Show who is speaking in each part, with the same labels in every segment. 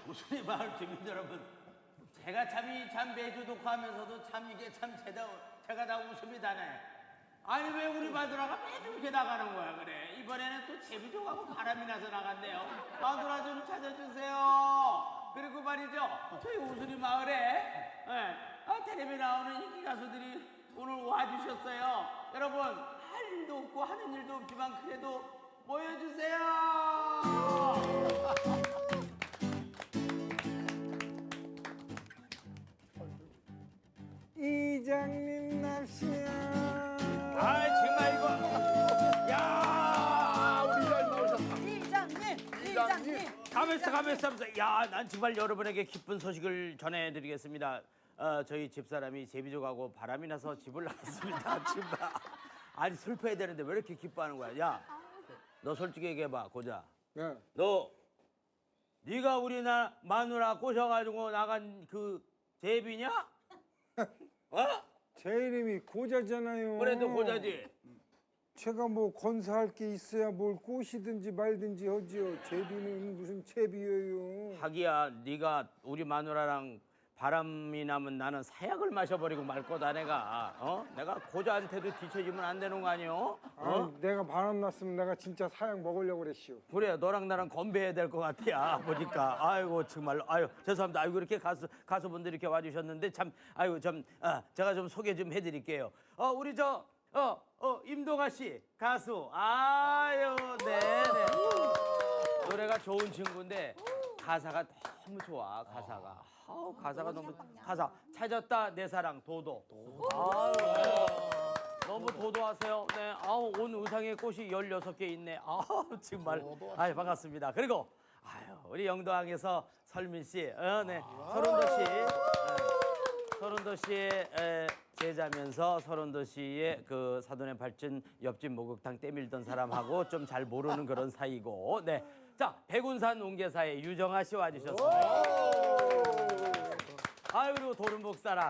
Speaker 1: 우순이 마을 주민 여러분, 제가 참 매주 녹화하면서도 참 이게 참 제가 다 웃음이 나네. 아니 왜 우리 마누라가 매주 이렇게 나가는 거야 그래? 이번에는 또 제비족하고 바람이 나서 나간대요. 마누라 좀 찾아주세요. 그리고 말이죠, 저희 우순이 마을에 텔레비 나오는 인기 가수들이 오늘 와주셨어요. 여러분 할 일도 없고 하는 일도 없지만 그래도 모여주세요.
Speaker 2: 이장님 납시야.
Speaker 1: 아 정말 이거 야
Speaker 3: 우리 잘 나오셨다.
Speaker 4: 이장님.
Speaker 1: 가면서 야난 정말 여러분에게 기쁜 소식을 전해드리겠습니다. 저희 집사람이 제비족하고 바람이 나서 집을 나갔습니다. 정말 아니 슬퍼야 되는데 왜 이렇게 기뻐하는 거야? 야 너 솔직히 얘기해봐 고자.
Speaker 2: 네.
Speaker 1: 너 네가 우리 마누라 꼬셔가지고 나간 그 제비냐? 어?
Speaker 2: 제 이름이 고자잖아요.
Speaker 1: 그래도 고자지.
Speaker 2: 제가 뭐 건사할 게 있어야 뭘 꼬시든지 말든지 하지요. 제비는 무슨 제비예요.
Speaker 1: 하기야 네가 우리 마누라랑 바람이 나면 나는 사약을 마셔버리고 말 거다 내가. 내가 고자한테도 뒤처지면 안 되는 거 아니오?
Speaker 2: 아니, 내가 바람 났으면 내가 진짜 사양 먹으려고 그랬시오.
Speaker 1: 그래 너랑 나랑 건배해야 될 것 같아 보니까. 아이고 정말 아유 죄송합니다. 아이고 이렇게 가수분들이 이렇게 와주셨는데 참 아이고 제가 좀 소개 좀 해드릴게요. 우리 임동아 씨 가수. 아유 네네. 노래가 좋은 친구인데 가사가 너무 좋아. 가사가 너무 가사 찾았다 내 사랑 도도. 아유 너무 도도하세요. 네. 온 의상에 꽃이 16개 있네. 정말. 아유, 반갑습니다. 그리고, 우리 영도항에서 설민 씨, 네. 서른도 씨의 제자면서 서른도 씨의 그 사돈의 발전 옆집 목욕탕 때밀던 사람하고 좀 잘 모르는 그런 사이고, 네. 자, 백운산 옹계사의 유정아 씨 와주셨습니다. 그리고 도른복 사람.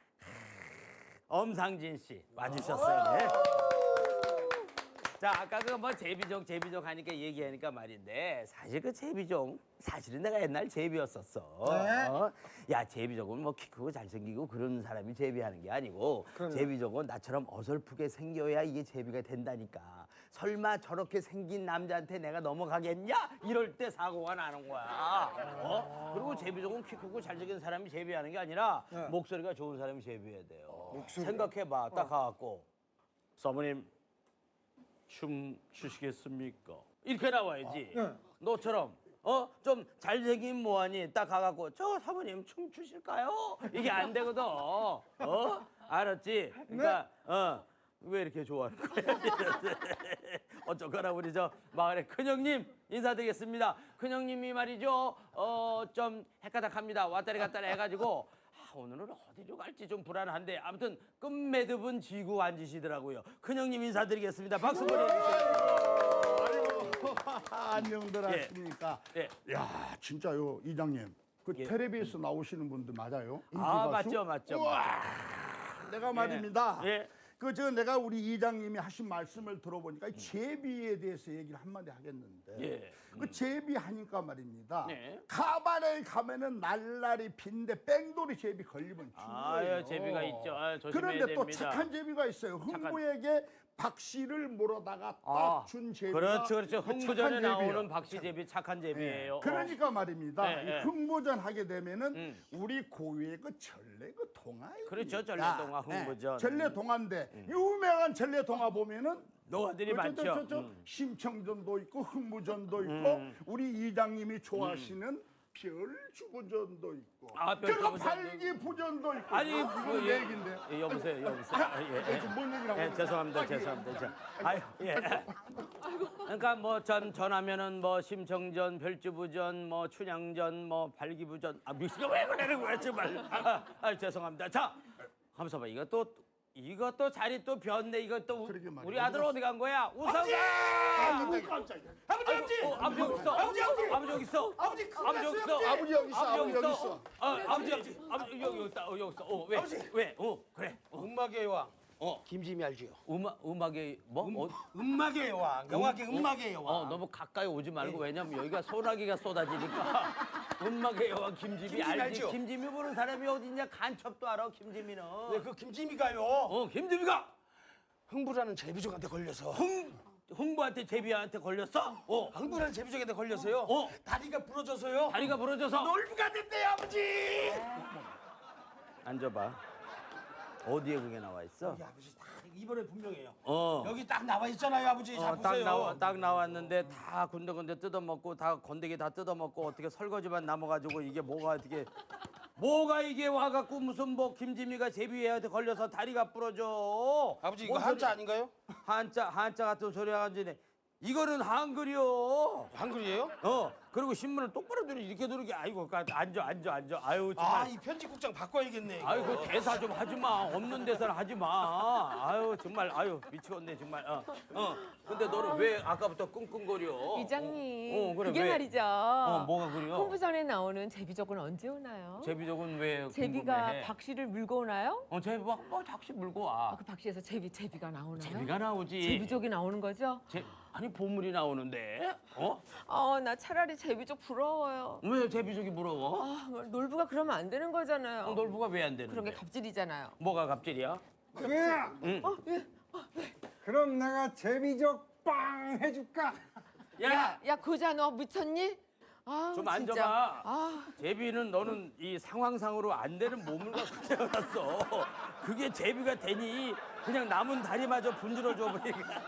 Speaker 1: 엄상진 씨 와주셨어요. 네. 자, 아까 그 뭐 제비족 하니까 얘기하니까 말인데 사실 그 제비족 사실은 내가 옛날 제비였었어. 야, 제비족은 뭐 키 크고 잘생기고 그런 사람이 제비하는 게 아니고 제비족은 나처럼 어설프게 생겨야 이게 제비가 된다니까. 설마 저렇게 생긴 남자한테 내가 넘어가겠냐? 이럴 때 사고가 나는 거야. 그리고 제비족은 키 크고 잘생긴 사람이 제비하는 게 아니라 목소리가 좋은 사람이 제비해야 돼요. 생각해봐. 딱 가갖고 사모님 춤 추시겠습니까? 이렇게 나와야지. 너처럼 좀 잘생긴 뭐하니 딱 가갖고 저 사모님 춤 추실까요? 이게 안 되거든. 알았지? 그러니까 왜 이렇게 좋아하는 거야? 어쩌거나 우리 저 마을의 큰형님 인사드리겠습니다. 큰형님이 말이죠. 좀 헷가닥합니다. 왔다리 갔다리 해가지고 오늘은 어디로 갈지 좀 불안한데 아무튼 끝매듭은 쥐고 앉으시더라고요. 큰형님 인사드리겠습니다. 박수 보내주세요.
Speaker 3: 아이고 안녕들 하십니까?
Speaker 1: 예.
Speaker 3: 야 진짜요 이장님. 그 텔레비에서 나오시는 분들 맞아요? 인기 가수?
Speaker 1: 맞죠.
Speaker 3: 우와, 내가 말입니다.
Speaker 1: 예.
Speaker 3: 내가 우리 이장님이 하신 말씀을 들어보니까 제비에 대해서 얘기를 한마디 하겠는데
Speaker 1: 예.
Speaker 3: 그 제비 하니까 말입니다.
Speaker 1: 네.
Speaker 3: 가발에 가면은 날라리 빈데 뺑돌이 제비 걸리면 죽어요.
Speaker 1: 제비가 있죠. 조심해야
Speaker 3: 그런데 또
Speaker 1: 됩니다.
Speaker 3: 착한 제비가 있어요. 흥부에게 박씨를 물어다가 딱 준 제비가
Speaker 1: 그렇죠.
Speaker 3: 그
Speaker 1: 흥부전에
Speaker 3: 착한
Speaker 1: 나오는
Speaker 3: 제비예요.
Speaker 1: 박씨제비 착한 제비예요.
Speaker 3: 그러니까 말입니다.
Speaker 1: 네, 네.
Speaker 3: 이 흥부전 하게 되면은 우리 고유의 그 전래 그 동화.
Speaker 1: 그렇죠. 전래동화 흥부전.
Speaker 3: 전래 동화인데 유명한 전래 동화 보면은
Speaker 1: 노화들이 많죠.
Speaker 3: 심청전도 있고 흥부전도 있고 우리 이장님이 좋아하시는 별주부전도 있고 그리고 발기부전도 있고
Speaker 1: 아니
Speaker 3: 이건 내 얘기인데.
Speaker 1: 여보세요.
Speaker 3: 뭔 얘기라고?
Speaker 1: 죄송합니다. 그러니까 뭐 전하면은 뭐 심청전, 별주부전, 뭐 춘향전, 뭐 발기부전. 미씨가 왜 그러는 거야 정말. 죄송합니다. 자, 하면서 봐. 이것도 자리 또 변네. 이것도 우리 아들 어디 간 거야? 우성아!
Speaker 3: 아이고 깜짝이야. 아버지
Speaker 1: 아버지 여기 있어. 아버지 여기 있어.
Speaker 3: 아버지 여기 있어.
Speaker 1: 아버지 여기 있다. 여기 있어. 왜? 그래.
Speaker 5: 음악의 왕 김지미 알지요?
Speaker 1: 음악의 뭐?
Speaker 5: 음악의 여왕, 영화계 음악의 여왕.
Speaker 1: 너무 가까이 오지 말고 왜냐면 여기가 소나기가 쏟아지니까 음악의 여왕 김지미
Speaker 5: 김지미
Speaker 1: 알지?
Speaker 5: 알죠?
Speaker 1: 김지미 보는 사람이 어딨냐? 간첩도 알아 김지미는.
Speaker 5: 네, 그 김지미가요.
Speaker 1: 김지미가
Speaker 5: 흥부라는 제비족한테 걸려서
Speaker 1: 흥부한테 제비한테 걸렸어?
Speaker 5: 흥부라는 제비족한테 걸려서요. 다리가 부러져서요.
Speaker 1: 다리가 부러져서
Speaker 5: 놀부가 됐대요, 아버지.
Speaker 1: 앉아봐. 어디에 그게 나와 있어?
Speaker 5: 여기 아버지 딱 이번에 분명해요.
Speaker 1: 어.
Speaker 5: 여기 딱 나와 있잖아요, 아버지. 잘
Speaker 1: 딱
Speaker 5: 보세요.
Speaker 1: 딱 나왔는데 다 군데군데 뜯어먹고 다 건더기 다 뜯어먹고 어떻게 설거지만 남아가지고 이게 뭐가 이게 와갖고 무슨 뭐 김지미가 제비애한테 걸려서 다리가 부러져.
Speaker 5: 아버지 이거
Speaker 1: 뭔
Speaker 5: 한자
Speaker 1: 소리-
Speaker 5: 아닌가요?
Speaker 1: 한자 같은 소리 하는지네. 이거는 한글이요.
Speaker 5: 한글이에요?
Speaker 1: 그리고 신문을 똑바로 들이 이렇게 들게 아이고 앉아. 아유 정말.
Speaker 5: 아, 이 편집국장 바꿔야겠네. 이거.
Speaker 1: 아유 그 대사 좀 하지 마. 없는 대사를 하지 마. 아유 정말 아유 미치겠네 정말. 근데 너는 왜 아까부터 끙끙거려?
Speaker 6: 이장님,
Speaker 1: 그래,
Speaker 6: 그게
Speaker 1: 왜?
Speaker 6: 말이죠.
Speaker 1: 뭐가 그래요?
Speaker 6: 홍부전에 나오는 제비족은 언제 오나요?
Speaker 1: 제비족은 왜
Speaker 6: 제비가
Speaker 1: 궁금해?
Speaker 6: 박씨를 물고 오나요?
Speaker 1: 제비가 뭐 작시 물고 와.
Speaker 6: 그 박씨에서 제비가 나오나요?
Speaker 1: 제비가 나오지.
Speaker 6: 제비족이 나오는 거죠?
Speaker 1: 아니 보물이 나오는데.
Speaker 6: 나 차라리 제비족 부러워요.
Speaker 1: 왜 제비족이 부러워?
Speaker 6: 놀부가 그러면 안 되는 거잖아요.
Speaker 1: 놀부가 왜 안 되는데?
Speaker 6: 그런 게 갑질이잖아요.
Speaker 1: 뭐가 갑질이야?
Speaker 2: 그래. 그럼 내가 제비족 빵 해줄까?
Speaker 6: 야, 고자 너 미쳤니?
Speaker 1: 좀
Speaker 6: 진짜.
Speaker 1: 앉아봐. 제비는 너는 이 상황상으로 안 되는 몸을 갖고 태어났어. 그게 제비가 되니 그냥 남은 다리마저 분질러줘 버리니까.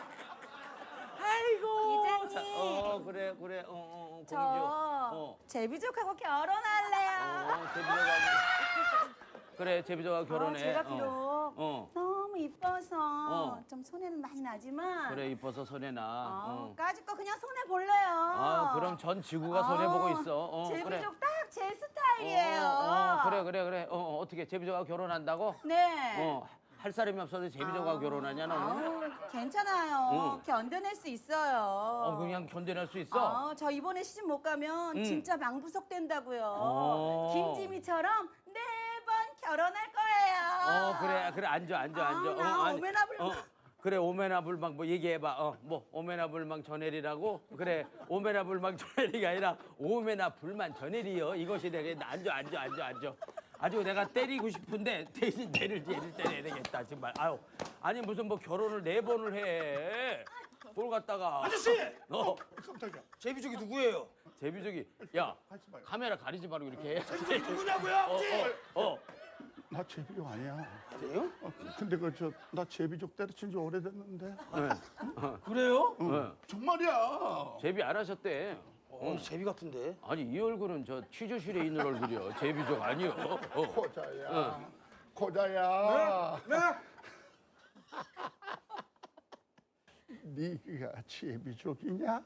Speaker 1: 아이고.
Speaker 4: 이장님.
Speaker 1: 그래. 공주.
Speaker 4: 저 제비족하고 결혼할래요.
Speaker 1: 제비족하고. 그래, 제비족하고 결혼해.
Speaker 4: 제가 비록 너무 이뻐서
Speaker 1: 어.
Speaker 4: 좀 손해는 많이 나지만
Speaker 1: 그래, 이뻐서 손해 나.
Speaker 4: 까짓 거 그냥 손해 볼래요.
Speaker 1: 그럼 전 지구가 손해 보고 있어.
Speaker 4: 제비족
Speaker 1: 그래.
Speaker 4: 딱 제 스타일이에요.
Speaker 1: 그래. 어떻게 제비족하고 결혼한다고?
Speaker 4: 네.
Speaker 1: 할 사람이 없어서 제비족하고 결혼하냐 너는?
Speaker 4: 괜찮아요. 견뎌낼 수 있어요.
Speaker 1: 그냥 견뎌낼 수 있어?
Speaker 4: 저 이번에 시집 못 가면 진짜 망부석 된다고요.
Speaker 1: 어.
Speaker 4: 김지미처럼 4번 결혼할 거예요.
Speaker 1: 그래 앉아.
Speaker 4: 나 오메나불망.
Speaker 1: 그래 오메나불망 뭐 얘기해봐. 뭐 오메나불망 전해리라고? 그래 오메나불망 전해리가 아니라 오메나불만 전해리요. 이것이 내가 앉아. 아주 내가 때리고 싶은데 대신 얘를 때려야 되겠다 정말. 아니 무슨 뭐 결혼을 4번을 해. 뭘 갖다가.
Speaker 5: 아저씨!
Speaker 3: 깜짝이야.
Speaker 5: 제비족이 누구예요?
Speaker 1: 제비족이 야 카메라 가리지 말고 이렇게 해.
Speaker 5: 누구냐고요, 아버지?
Speaker 3: 나 제비족 아니야.
Speaker 5: 그래요?
Speaker 3: 근데 나 제비족 때려친 지 오래됐는데.
Speaker 5: 그래요?
Speaker 3: 정말이야.
Speaker 1: 제비 안 하셨대.
Speaker 5: 제비 같은데.
Speaker 1: 아니 이 얼굴은 저 취조실에 있는 얼굴이요. 제비족 아니요.
Speaker 3: 고자야.
Speaker 2: 네.
Speaker 3: 네가 제비족이냐?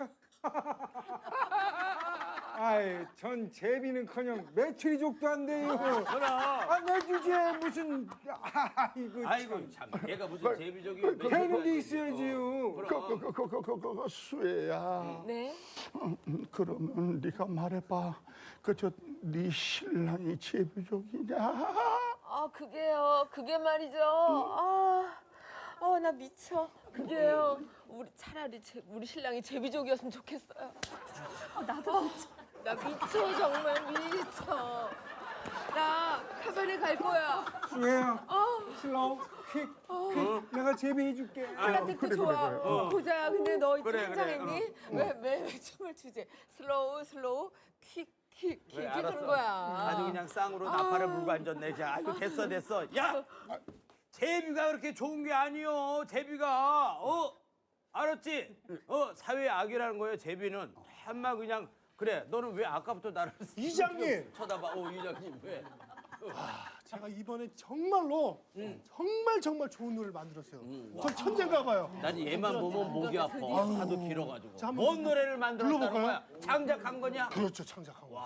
Speaker 2: 아이, 전 제비는커녕 메추리족도 안 돼요. 메추리에 무슨
Speaker 1: 아이고 참 얘가 무슨 제비족이
Speaker 2: 되는 게 있어야지요.
Speaker 3: 그거 수혜야.
Speaker 6: 네?
Speaker 3: 그러면 네가 말해봐. 네 신랑이 제비족이냐?
Speaker 6: 그게 말이죠. 나 미쳐. 그게요. 차라리 우리 신랑이 제비족이었으면 좋겠어요.
Speaker 4: 나도 미쳐.
Speaker 6: 나 미쳐, 정말 미쳐. 나 카바레 갈 거야.
Speaker 2: 수혜야, 슬로우, 퀵. 내가 제비 해줄게.
Speaker 6: 플라텍도 좋아. 고자야, 근데 너
Speaker 1: 그래,
Speaker 6: 긴장했니? 왜 춤을 추지? 슬로우, 퀵 이렇게 하는 거야.
Speaker 1: 아주 그냥 쌍으로 나팔을 물고 앉았네. 그냥. 아이고 됐어. 야, 제비가 그렇게 좋은 게 아니요. 제비가 알았지? 사회의 악이라는 거예요. 제비는 한마 그냥 그래. 너는 왜 아까부터 나를
Speaker 7: 이장님!
Speaker 1: 쳐다봐? 이장님 왜?
Speaker 7: 제가 이번에 정말로 정말 좋은 노래를 만들었어요. 전 천재인가 봐요.
Speaker 1: 난 얘만 보면 목이 아파. 하도 길어가지고.
Speaker 7: 자, 한번
Speaker 1: 뭔 노래를 만들었다는
Speaker 7: 불러볼까요?
Speaker 1: 거야? 창작한 거냐?
Speaker 7: 그렇죠, 창작한 거.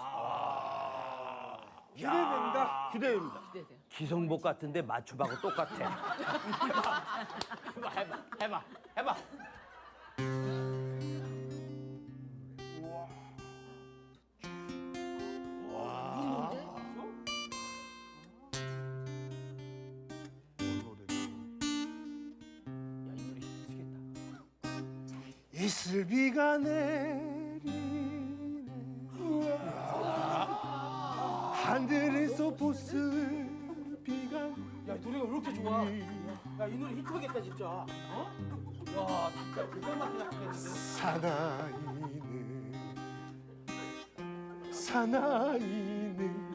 Speaker 2: 기대된다.
Speaker 3: 기대됩니다.
Speaker 1: 기성복 같은데 맞춤하고 똑같아. 해봐.
Speaker 7: 이슬비가 내리네. 하늘에서 보슬비가
Speaker 5: 야, 이 노래가 왜 이렇게 좋아? 야, 이 노래 히트하겠다 진짜. 어? 야, 진짜 기가 막히게 하겠는데.
Speaker 7: 사나이는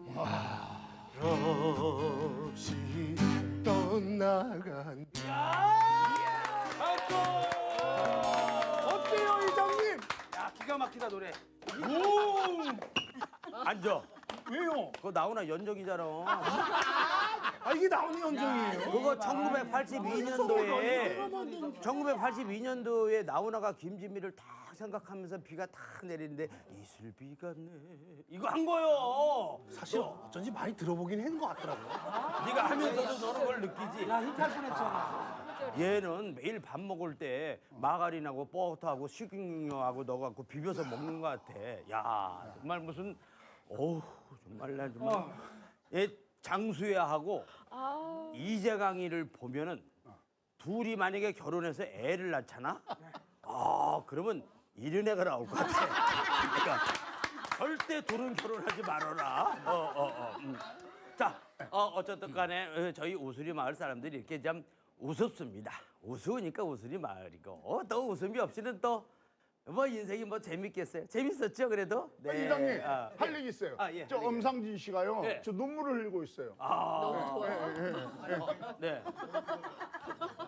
Speaker 7: 없이 떠나간.
Speaker 5: 박수!
Speaker 7: 어때요, 이장님?
Speaker 5: 야, 기가 막히다 노래.
Speaker 1: 앉아.
Speaker 7: 왜요?
Speaker 1: 그거 나오나 연정이잖아.
Speaker 7: 아, 이게 나오는 연정이에요.
Speaker 1: 그거 1982년도에 나훈아가 김지미를 딱 생각하면서 비가 탁 내리는데 이슬비가 내 이거 한 거요.
Speaker 7: 사실 어쩐지 많이 들어보긴 한 것 같더라고요.
Speaker 1: 네가 하면서도 너는 그걸 느끼지.
Speaker 5: 야, 히트할 뻔했잖아.
Speaker 1: 얘는 매일 밥 먹을 때 마가린하고 버터하고 식용유하고 넣어갖고 비벼서 먹는 것 같아. 야 정말 무슨 어우 정말 나 정말 얘 장수야하고 이재강이를 보면은 둘이 만약에 결혼해서 애를 낳잖아. 아 그러면 이런 애가 나올 것 같아. 그러니까 절대 둘은 결혼하지 말아라. 자 어쨌든 간에 저희 우수리 마을 사람들이 이렇게 참 우습습니다. 우스우니까 우수리 마을이고 또 웃음이 없이는 또 뭐 인생이 뭐 재밌겠어요? 재밌었죠 그래도?
Speaker 3: 이장님
Speaker 1: 아,
Speaker 3: 할 얘기 있어요.
Speaker 1: 예,
Speaker 3: 저
Speaker 1: 할 얘기.
Speaker 3: 엄상진 씨가요.
Speaker 1: 네.
Speaker 3: 저 눈물을 흘리고 있어요.
Speaker 6: 너무 좋아요.
Speaker 1: 네.